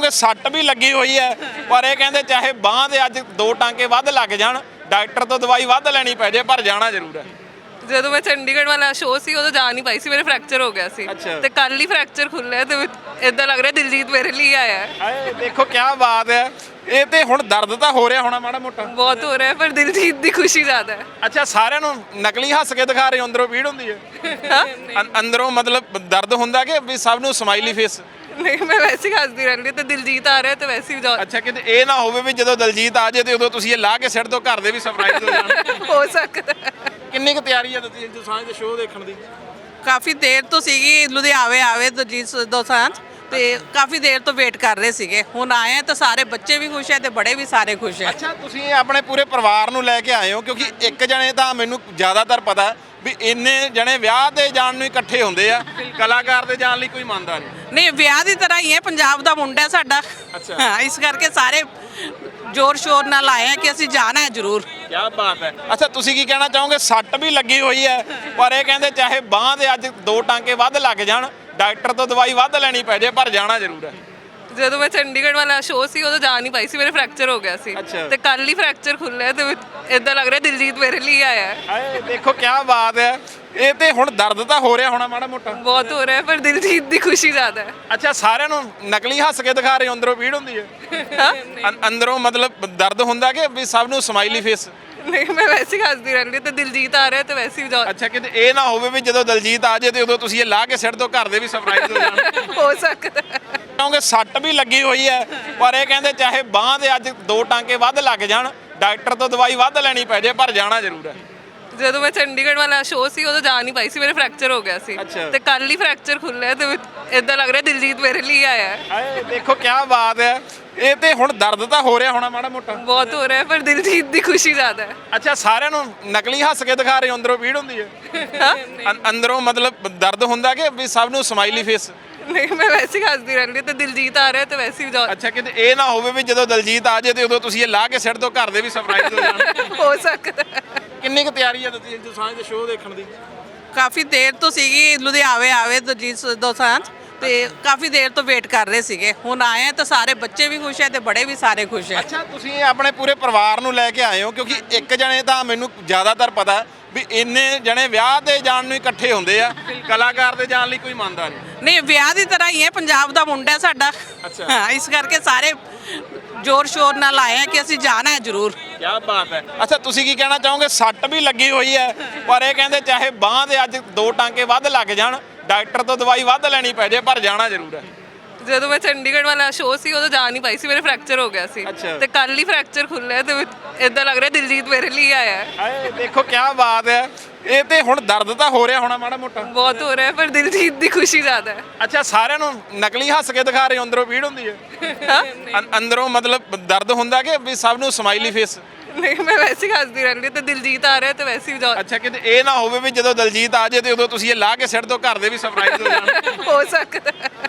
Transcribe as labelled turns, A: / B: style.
A: ਚਾਹੋਗੇ ਸੱਟ ਵੀ ਲੱਗੀ ਹੋਈ ਹੈ, ਪਰ ਇਹ ਕਹਿੰਦੇ ਚਾਹੇ ਬਾਂਹ ਦੇ ਅੱਜ 2 ਟਾਂਕੇ ਵੱਧ ਲੱਗ ਜਾਣ, ਡਾਕਟਰ ਤੋਂ ਦਵਾਈ ਵੱਧ ਲੈਣੀ ਪੈ ਜੇ, ਪਰ ਜਾਣਾ ਜ਼ਰੂਰ ਹੈ।
B: ਜਦੋਂ ਮੈਂ ਚੰਡੀਗੜ੍ਹ ਵਾਲਾ ਸ਼ੋਅ ਸੀ ਉਦੋਂ ਜਾ ਨਹੀਂ ਪਾਈ ਸੀ, ਮੇਰੇ ਫ੍ਰੈਕਚਰ ਹੋ ਗਿਆ ਸੀ ਤੇ ਕੱਲ ਹੀ ਫ੍ਰੈਕਚਰ ਖੁੱਲਿਆ ਤੇ ਇਦਾਂ ਲੱਗ ਰਿਹਾ ਦਿਲਜੀਤ ਮੇਰੇ ਲਈ ਆਇਆ ਹੈ।
A: ਹਾਏ ਦੇਖੋ ਕੀ ਬਾਤ ਹੈ। ਇਹ ਤੇ ਹੁਣ ਦਰਦ ਤਾਂ ਹੋ ਰਿਹਾ ਹੋਣਾ ਮਾੜਾ ਮੋਟਾ?
B: ਬਹੁਤ ਹੋ ਰਿਹਾ ਪਰ ਦਿਲਜੀਤ ਦੀ ਖੁਸ਼ੀ ਜ਼ਿਆਦਾ ਹੈ।
A: ਅੱਛਾ, ਸਾਰਿਆਂ ਨੂੰ ਨਕਲੀ ਹੱਸ ਕੇ ਦਿਖਾ ਰਹੇ ਹੋ, ਅੰਦਰੋਂ ਪੀੜ ਹੁੰਦੀ ਹੈ? ਅੰਦਰੋਂ ਮਤਲਬ ਦਰਦ ਹੁੰਦਾ ਕਿ ਵੀ ਸਭ ਨੂੰ ਸਮਾਈਲੀ ਫੇਸ?
B: ਨਹੀਂ, ਮੈਂ ਵੈਸੇ ਹੀ ਹੱਸਦੀ ਰਹਿੰਦੀ ਤੇ ਦਿਲਜੀਤ ਆ ਰਿਹਾ ਤੇ ਵੈਸੇ ਹੀ
A: ਅੱਛਾ, ਕਿਤੇ ਇਹ ਨਾ ਹੋਵੇ ਵੀ ਜਦੋਂ ਦਿਲਜੀਤ ਆ ਜਾਏ ਤੇ ਉਦੋਂ ਤੁਸੀਂ ਇਹ ਲਾ ਕੇ ਸਿਰ ਤੋਂ ਘਰ ਦੇ ਵੀ ਸਰਪ੍ਰਾਈਜ਼ ਹੋ ਜਾਣ।
B: ਹੋ ਸਕਦਾ।
A: ਕਿੰਨੀ ਕੁ ਤਿਆਰੀ ਹੈ ਤੁਸੀਂ ਦੋਸਾਂਝ ਦੇ ਸ਼ੋਅ ਦੇਖਣ ਦੀ?
C: ਕਾਫੀ ਦੇਰ ਤੋਂ ਸੀਗੀ, ਲੁਧਿਆਣੇ ਆਵੇ ਦਿਲਜੀਤ ਦੋਸਾਂਝ ਤੇ ਕਾਫੀ ਦੇਰ ਤੋਂ ਵੇਟ ਕਰ ਰਹੇ ਸੀਗੇ। ਹੁਣ ਆਏ ਆ ਤਾਂ ਸਾਰੇ ਬੱਚੇ ਵੀ ਖੁਸ਼ ਹੈ ਤੇ ਬੜੇ ਵੀ ਸਾਰੇ ਖੁਸ਼ ਹੈ।
A: ਅੱਛਾ, ਤੁਸੀਂ ਆਪਣੇ ਪੂਰੇ ਪਰਿਵਾਰ ਨੂੰ ਲੈ ਕੇ ਆਏ ਹੋ? ਕਿਉਂਕਿ ਇੱਕ ਜਣੇ ਤਾਂ ਮੈਨੂੰ ਜ਼ਿਆਦਾਤਰ ਪਤਾ ਵੀ ਇੰਨੇ ਜਣੇ ਵਿਆਹ ਤੇ ਜਾਣ ਨੂੰ ਇਕੱਠੇ ਹੁੰਦੇ ਆ, ਕਲਾਕਾਰ ਦੇ ਜਾਣ ਲਈ ਕੋਈ ਮੰਨਦਾ ਨਹੀਂ।
C: ਨਹੀਂ, ਵਿਆਹ ਦੀ ਤਰ੍ਹਾਂ ਹੀ ਹੈ, ਪੰਜਾਬ ਦਾ ਮੁੰਡਾ ਹੈ ਸਾਡਾ। ਹਾਂ, ਇਸ ਕਰਕੇ ਸਾਰੇ ਜ਼ੋਰ ਸ਼ੋਰ ਨਾਲ ਆਏ ਆ ਕਿ ਅਸੀਂ ਜਾਣਾ ਹੈ ਜ਼ਰੂਰ।
A: ਕੀ ਬਾਤ ਹੈ। ਅੱਛਾ, ਤੁਸੀਂ ਕੀ ਕਹਿਣਾ ਚਾਹੋਗੇ? ਸੱਟ ਵੀ ਲੱਗੀ ਹੋਈ ਹੈ, ਪਰ ਇਹ ਕਹਿੰਦੇ ਚਾਹੇ ਬਾਂਹ ਦੇ ਅੱਜ 2 ਟਾਂਕੇ ਵੱਧ ਲੱਗ ਜਾਣ, ਡਾਕਟਰ ਤੋਂ ਦਵਾਈ ਵੱਧ ਲੈਣੀ ਪੈ ਜੇ, ਪਰ ਜਾਣਾ ਜ਼ਰੂਰ ਹੈ।
B: ਜਦੋਂ ਮੈਂ ਚੰਡੀਗੜ੍ਹ ਵਾਲਾ ਸ਼ੋਅ ਸੀ ਉਦੋਂ ਜਾ ਨਹੀਂ ਪਾਈ ਸੀ, ਮੇਰੇ ਫ੍ਰੈਕਚਰ ਹੋ ਗਿਆ ਸੀ ਤੇ ਕੱਲ ਹੀ ਫ੍ਰੈਕਚਰ ਖੁੱਲਿਆ ਤੇ ਇਦਾਂ ਲੱਗ ਰਿਹਾ ਦਿਲਜੀਤ ਮੇਰੇ ਲਈ ਆਇਆ ਹੈ।
A: ਹਾਏ ਦੇਖੋ ਕੀ ਬਾਤ ਹੈ। ਇਹ ਤੇ ਹੁਣ ਦਰਦ ਤਾਂ ਹੋ ਰਿਹਾ ਹੋਣਾ ਮਾੜਾ ਮੋਟਾ?
B: ਬਹੁਤ ਹੋ ਰਿਹਾ ਪਰ ਦਿਲਜੀਤ ਦੀ ਖੁਸ਼ੀ ਜ਼ਿਆਦਾ ਹੈ।
A: ਅੱਛਾ, ਸਾਰਿਆਂ ਨੂੰ ਨਕਲੀ ਹੱਸ ਕੇ ਦਿਖਾ ਰਹੇ ਹੋ, ਅੰਦਰੋਂ ਪੀੜ ਹੁੰਦੀ ਹੈ? ਅੰਦਰੋਂ ਮਤਲਬ ਦਰਦ ਹੁੰਦਾ ਕਿ ਵੀ ਸਭ ਨੂੰ ਸਮਾਈਲੀ ਫੇਸ?
B: ਨਹੀਂ, ਮੈਂ ਵੈਸੇ ਹੀ ਹੱਸਦੀ ਰਹਿੰਦੀ ਤੇ ਦਿਲਜੀਤ ਆ ਰਿਹਾ ਤੇ ਵੈਸੇ ਹੀ
A: ਅੱਛਾ, ਕਿਤੇ ਇਹ ਨਾ ਹੋਵੇ ਵੀ ਜਦੋਂ ਦਿਲਜੀਤ ਆ ਜਾਏ ਤੇ ਉਦੋਂ ਤੁਸੀਂ ਇਹ ਲਾ ਕੇ ਸਿਰ ਤੋਂ ਘਰ ਦੇ ਵੀ ਸਰਪ੍ਰਾਈਜ਼ ਹੋ ਜਾਣ।
B: ਹੋ ਸਕਦਾ।
A: ਕਿਉਂਕਿ ਸੱਟ ਵੀ ਲੱਗੀ ਹੋਈ ਹੈ, ਪਰ ਇਹ ਕਹਿੰਦੇ ਚਾਹੇ ਬਾਂਹ ਦੇ ਅੱਜ 2 ਟਾਂਕੇ ਵੱਧ ਲੱਗ ਜਾਣ, ਡਾਕਟਰ ਤੋਂ ਦਵਾਈ ਵੱਧ ਲੈਣੀ ਪੈ ਜੇ, ਪਰ ਜਾਣਾ ਜ਼ਰੂਰ ਹੈ।
B: ਜਦੋਂ ਮੈਂ ਚੰਡੀਗੜ੍ਹ ਵਾਲਾ ਸ਼ੋਅ ਸੀ ਉਦੋਂ ਜਾ ਨਹੀਂ ਪਾਈ ਸੀ, ਮੇਰੇ ਫ੍ਰੈਕਚਰ ਹੋ ਗਿਆ ਸੀ ਤੇ ਕੱਲ ਹੀ ਫ੍ਰੈਕਚਰ ਖੁੱਲਿਆ ਤੇ ਇਦਾਂ ਲੱਗ ਰਿਹਾ ਦਿਲਜੀਤ ਮੇਰੇ ਲਈ ਆਇਆ ਹੈ।
A: ਹਾਏ ਦੇਖੋ ਕੀ ਬਾਤ ਹੈ। ਇਹ ਤੇ ਹੁਣ ਦਰਦ ਤਾਂ ਹੋ ਰਿਹਾ ਹੋਣਾ ਮਾੜਾ ਮੋਟਾ?
B: ਬਹੁਤ ਹੋ ਰਿਹਾ ਪਰ ਦਿਲਜੀਤ ਦੀ ਖੁਸ਼ੀ ਜ਼ਿਆਦਾ ਹੈ।
A: ਅੱਛਾ, ਸਾਰਿਆਂ ਨੂੰ ਨਕਲੀ ਹੱਸ ਕੇ ਦਿਖਾ ਰਹੇ ਹੋ, ਅੰਦਰੋਂ ਪੀੜ ਹੁੰਦੀ ਹੈ? ਅੰਦਰੋਂ ਮਤਲਬ ਦਰਦ ਹੁੰਦਾ ਕਿ ਵੀ ਸਭ ਨੂੰ ਸਮਾਈਲੀ ਫੇਸ?
B: ਨਹੀਂ, ਮੈਂ ਵੈਸੇ ਹੀ ਹੱਸਦੀ ਰਹਿੰਦੀ ਤੇ ਦਿਲਜੀਤ ਆ ਰਿਹਾ ਤੇ ਵੈਸੇ ਹੀ
A: ਅੱਛਾ, ਕਿਤੇ ਇਹ ਨਾ ਹੋਵੇ ਵੀ ਜਦੋਂ ਦਿਲਜੀਤ ਆ ਜਾਏ ਤੇ ਉਦੋਂ ਤੁਸੀਂ ਇਹ ਲਾ ਕੇ ਸਿਰ ਤੋਂ ਘਰ ਦੇ ਵੀ ਸਰਪ੍ਰਾਈਜ਼ ਹੋ ਜਾਣ।
B: ਹੋ ਸਕਦਾ।
A: ਕਿੰਨੀ ਕੁ ਤਿਆਰੀ ਹੈ ਤੁਸੀਂ ਦੋਸਾਂਝ ਦੇ ਸ਼ੋਅ ਦੇਖਣ ਦੀ?
C: ਕਾਫੀ ਦੇਰ ਤੋਂ ਸੀਗੀ, ਲੁਧਿਆਣੇ ਆਵੇ ਦਿਲਜੀਤ ਦੋਸਾਂਝ ਤੇ ਕਾਫੀ ਦੇਰ ਤੋਂ ਵੇਟ ਕਰ ਰਹੇ ਸੀਗੇ। ਹੁਣ ਆਏ ਆ ਤਾਂ ਸਾਰੇ ਬੱਚੇ ਵੀ ਖੁਸ਼ ਹੈ ਤੇ ਬੜੇ ਵੀ ਸਾਰੇ ਖੁਸ਼ ਹੈ।
A: ਅੱਛਾ, ਤੁਸੀਂ ਆਪਣੇ ਪੂਰੇ ਪਰਿਵਾਰ ਨੂੰ ਲੈ ਕੇ ਆਏ ਹੋ? ਕਿਉਂਕਿ ਇੱਕ ਜਣੇ ਤਾਂ ਮੈਨੂੰ ਜ਼ਿਆਦਾਤਰ ਪਤਾ ਵੀ ਇੰਨੇ ਜਣੇ ਵਿਆਹ ਤੇ ਜਾਣ ਨੂੰ ਇਕੱਠੇ ਹੁੰਦੇ ਆ, ਕਲਾਕਾਰ ਦੇ ਜਾਣ ਲਈ ਕੋਈ ਮੰਨਦਾ ਨਹੀਂ।
C: ਨਹੀਂ, ਵਿਆਹ ਦੀ ਤਰ੍ਹਾਂ ਹੀ ਹੈ, ਪੰਜਾਬ ਦਾ ਮੁੰਡਾ ਹੈ ਸਾਡਾ। ਹਾਂ, ਇਸ ਕਰਕੇ ਸਾਰੇ ਜ਼ੋਰ ਸ਼ੋਰ ਨਾਲ ਆਏ ਆ ਕਿ ਅਸੀਂ ਜਾਣਾ ਹੈ ਜ਼ਰੂਰ।
A: ਕੀ ਬਾਤ ਹੈ। ਅੱਛਾ, ਤੁਸੀਂ ਕੀ ਕਹਿਣਾ ਚਾਹੋਗੇ? ਸੱਟ ਵੀ ਲੱਗੀ ਹੋਈ ਹੈ, ਪਰ ਇਹ ਕਹਿੰਦੇ ਚਾਹੇ ਬਾਂਹ ਦੇ ਅੱਜ 2 ਟਾਂਕੇ ਵੱਧ ਲੱਗ ਜਾਣ, ਡਾਕਟਰ ਤੋਂ ਦਵਾਈ ਵੱਧ ਲੈਣੀ ਪੈ ਜੇ, ਪਰ ਜਾਣਾ ਜ਼ਰੂਰ ਹੈ।
B: ਜਦੋਂ ਮੈਂ ਚੰਡੀਗੜ੍ਹ ਵਾਲਾ ਸ਼ੋਅ ਸੀ ਉਦੋਂ ਜਾ ਨਹੀਂ ਪਾਈ ਸੀ, ਮੇਰੇ ਫ੍ਰੈਕਚਰ ਹੋ ਗਿਆ ਸੀ ਤੇ ਕੱਲ ਹੀ ਫ੍ਰੈਕਚਰ ਖੁੱਲਿਆ ਤੇ ਇਦਾਂ ਲੱਗ ਰਿਹਾ ਦਿਲਜੀਤ ਮੇਰੇ ਲਈ ਆਇਆ ਹੈ।
A: ਹਾਏ ਦੇਖੋ ਕੀ ਬਾਤ ਹੈ। ਇਹ ਤੇ ਹੁਣ ਦਰਦ ਤਾਂ ਹੋ ਰਿਹਾ ਹੋਣਾ ਮਾੜਾ ਮੋਟਾ?
B: ਬਹੁਤ ਹੋ ਰਿਹਾ ਪਰ ਦਿਲਜੀਤ ਦੀ ਖੁਸ਼ੀ ਜ਼ਿਆਦਾ ਹੈ।
A: ਅੱਛਾ, ਸਾਰਿਆਂ ਨੂੰ ਨਕਲੀ ਹੱਸ ਕੇ ਦਿਖਾ ਰਹੇ ਹੋ, ਅੰਦਰੋਂ ਪੀੜ ਹੁੰਦੀ ਹੈ? ਅੰਦਰੋਂ ਮਤਲਬ ਦਰਦ ਹੁੰਦਾ ਕਿ ਵੀ ਸਭ ਨੂੰ ਸਮਾਈਲੀ ਫੇਸ?
B: ਨਹੀਂ, ਮੈਂ ਵੈਸੇ ਹੀ ਹੱਸਦੀ ਰਹਿੰਦੀ ਤੇ ਦਿਲਜੀਤ ਆ ਰਿਹਾ ਤੇ ਵੈਸੇ ਹੀ
A: ਅੱਛਾ, ਕਿਤੇ ਇਹ ਨਾ ਹੋਵੇ ਵੀ ਜਦੋਂ ਦਿਲਜੀਤ ਆ ਜਾਏ ਤੇ ਉਦੋਂ ਤੁਸੀਂ ਇਹ ਲਾ ਕੇ ਸਿਰ ਤੋਂ ਘਰ ਦੇ ਵੀ ਸਰਪ੍ਰਾਈਜ਼ ਹੋ ਜਾਣ।
B: ਹੋ ਸਕਦਾ।